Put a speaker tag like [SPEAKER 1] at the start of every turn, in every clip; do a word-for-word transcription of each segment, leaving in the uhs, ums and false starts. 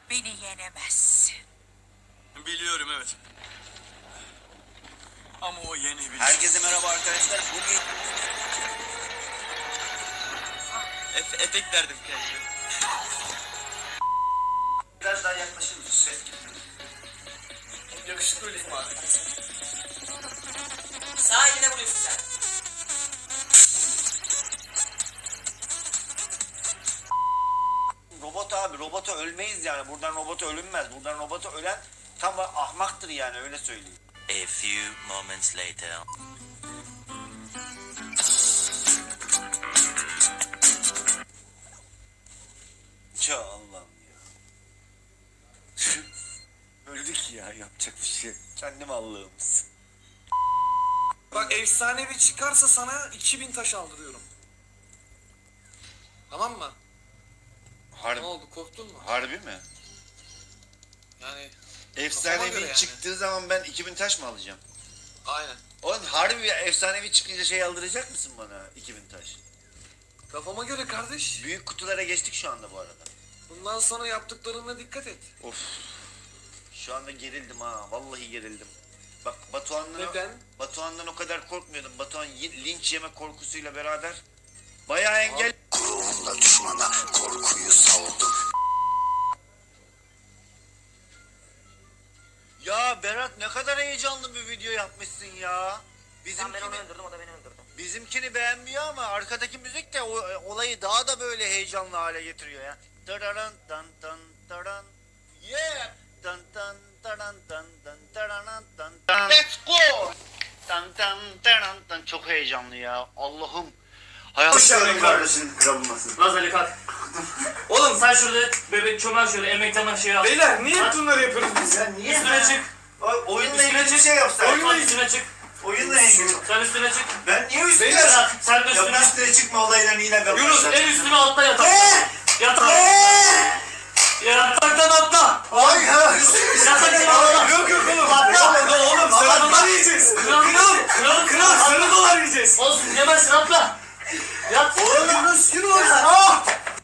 [SPEAKER 1] Beni yenemezsin.
[SPEAKER 2] Biliyorum, evet. Ama o yenebilir.
[SPEAKER 3] Herkese merhaba arkadaşlar. Bugün
[SPEAKER 2] Efe, efekt verdim kendime.
[SPEAKER 3] biraz daha yaklaşır mısın? Ses
[SPEAKER 2] Yakışıklı öyleyim abi.
[SPEAKER 4] Sağ eline vuruyorsun sen.
[SPEAKER 3] Robot abi, robota ölmeyiz yani. Buradan robota ölünmez. Buradan robota ölen tam ahmaktır yani, öyle söyleyeyim.
[SPEAKER 5] A few moments later.
[SPEAKER 3] Ya Allah'ım ya. Öldük ya, yapacak bir şey. Kendim Allah'ımız.
[SPEAKER 6] Bak efsanevi çıkarsa sana iki bin taş aldırıyorum. Tamam mı?
[SPEAKER 3] Harbi,
[SPEAKER 6] Ne oldu, korktun mu?
[SPEAKER 3] harbi mi?
[SPEAKER 6] Yani Kafama göre
[SPEAKER 3] Efsanevi
[SPEAKER 6] yani.
[SPEAKER 3] çıktığı zaman ben iki bin taş mı alacağım?
[SPEAKER 6] aynen.
[SPEAKER 3] Oğlum harbi bir efsanevi çıkınca şey aldıracak mısın bana, iki bin taş?
[SPEAKER 6] Kafama göre kardeş.
[SPEAKER 3] Büyük kutulara geçtik şu anda bu arada.
[SPEAKER 6] Bundan sonra yaptıklarına dikkat et.
[SPEAKER 3] Of. Şu anda gerildim ha. Vallahi gerildim. Bak Batuhan'dan,
[SPEAKER 6] Neden?
[SPEAKER 3] Batuhan'dan o kadar korkmuyordum. Batuhan y- linç yeme korkusuyla beraber bayağı engel.
[SPEAKER 7] Gururumla düşmana korkuyu savdum.
[SPEAKER 3] Ya Berat, ne kadar heyecanlı bir video yapmışsın ya.
[SPEAKER 4] Sen ben onu
[SPEAKER 3] Bizimkini,
[SPEAKER 4] öldürdüm, o da beni öldürdü.
[SPEAKER 3] bizimkini beğenmiyor ama arkadaki müzik de o, olayı daha da böyle heyecanlı hale getiriyor ya. Tararan tan tan taran. Yeah. Tan tan taran tan tan tararan tan tan. Let's go. Tan tan taran tan. Çok heyecanlı ya. Allah'ım. Hayatım kardeşim kırılmasın.
[SPEAKER 8] Laz Ali kalk. Oğlum sen şurada bebek çömel şöyle emekten aşağıya al.
[SPEAKER 6] Beyler niye hep bunları yapıyoruz biz?
[SPEAKER 3] Sen niye
[SPEAKER 8] Üstüne çık.
[SPEAKER 3] oyunla
[SPEAKER 8] Üstüne
[SPEAKER 3] ilgili bir
[SPEAKER 8] çık.
[SPEAKER 3] şey yapsan?
[SPEAKER 8] Oyunla üstüne çık.
[SPEAKER 3] Oyunla ilgili.
[SPEAKER 8] Sen üstüne çık.
[SPEAKER 3] Ben niye üstüne
[SPEAKER 6] Beyler,
[SPEAKER 8] Sen, sen de
[SPEAKER 3] Ya
[SPEAKER 8] üstüne.
[SPEAKER 3] üstüne çıkma olaylarını yine ben
[SPEAKER 8] Yunus
[SPEAKER 3] başlatacağım.
[SPEAKER 8] en üstüne atla yatak. Yatak. Yataktan atla.
[SPEAKER 3] Ay ya.
[SPEAKER 8] Yataktan atla.
[SPEAKER 6] Yok yok oğlum.
[SPEAKER 8] Atla.
[SPEAKER 6] Oğlum sarı dolar yiyeceğiz.
[SPEAKER 8] Kral kral. Kral
[SPEAKER 6] Kral sarı dolar yiyeceğiz.
[SPEAKER 8] Olsun yemezsin atla. Yat.
[SPEAKER 3] Oğlum Yunus yürü oradan. Ah!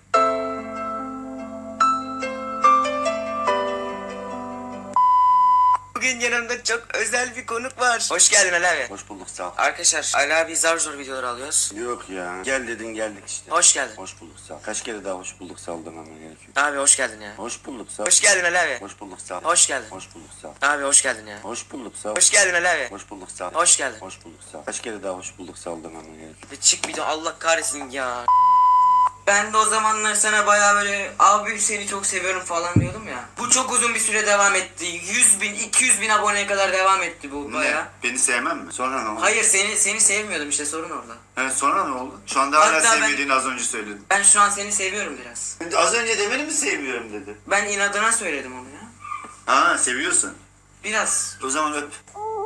[SPEAKER 4] Bugün yanımda çok özel bir konuk var. Hoş geldin Ali abi.
[SPEAKER 7] Hoş bulduk, sağ ol.
[SPEAKER 4] Arkadaşlar Ali abi zar zor videolar alıyoruz.
[SPEAKER 7] Yok ya. Gel dedin, geldik işte.
[SPEAKER 4] Hoş geldin.
[SPEAKER 7] Hoş bulduk, sağ ol. Kaç kere daha hoş bulduk, sağ ol demem gerekiyor.
[SPEAKER 4] Abi hoş geldin ya.
[SPEAKER 7] Hoş bulduk, sağ ol.
[SPEAKER 4] Hoş geldin Ali abi.
[SPEAKER 7] Hoş bulduk, sağ ol.
[SPEAKER 4] Hoş geldin.
[SPEAKER 7] Hoş bulduk, sağ ol.
[SPEAKER 4] Abi hoş geldin ya.
[SPEAKER 7] Hoş bulduk, sağ ol.
[SPEAKER 4] Hoş geldin Ali abi.
[SPEAKER 7] Hoş bulduk, sağ ol.
[SPEAKER 4] Hoş geldin.
[SPEAKER 7] Hoş bulduk, sağ ol. Kaç kere daha hoş bulduk, sağ ol demem gerekiyor.
[SPEAKER 4] Bir çık bir de Allah kahretsin ya. Ben de o zamanlar sana bayağı böyle abi seni çok seviyorum falan diyordum ya. Bu çok uzun bir süre devam etti. yüz bin, iki yüz bin aboneye kadar devam etti bu bayağı.
[SPEAKER 7] Beni sevmem mi? Sonra ne oldu?
[SPEAKER 4] Hayır seni seni sevmiyordum işte, sorun orada.
[SPEAKER 7] Evet, sonra ne oldu? Şu anda hala
[SPEAKER 4] Hatta ben-
[SPEAKER 7] sevmediğini az önce söyledin.
[SPEAKER 4] Ben şu an seni seviyorum biraz.
[SPEAKER 7] Az önce demeni mi sevmiyorum dedi.
[SPEAKER 4] Ben inadına söyledim onu ya.
[SPEAKER 7] Ha, seviyorsun.
[SPEAKER 4] Biraz.
[SPEAKER 7] O zaman öp.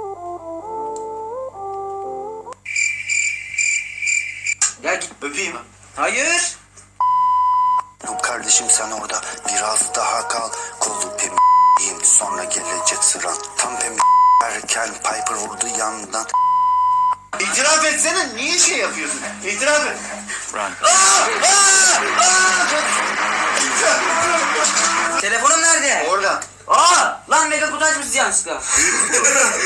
[SPEAKER 4] Ya git.
[SPEAKER 7] Öpeyim.
[SPEAKER 4] Hayır.
[SPEAKER 7] Kardeşim sen orada biraz daha kal. Kolu pem'yim, sonra gelecek sıran. Tam pem erken Piper vurdu yandan.
[SPEAKER 3] İtiraf etsene, niye şey yapıyorsun? İtiraf et.
[SPEAKER 4] Telefonum nerede?
[SPEAKER 3] Orada.
[SPEAKER 4] Aa! Lan mega kutu açmışız yanlışlıkla.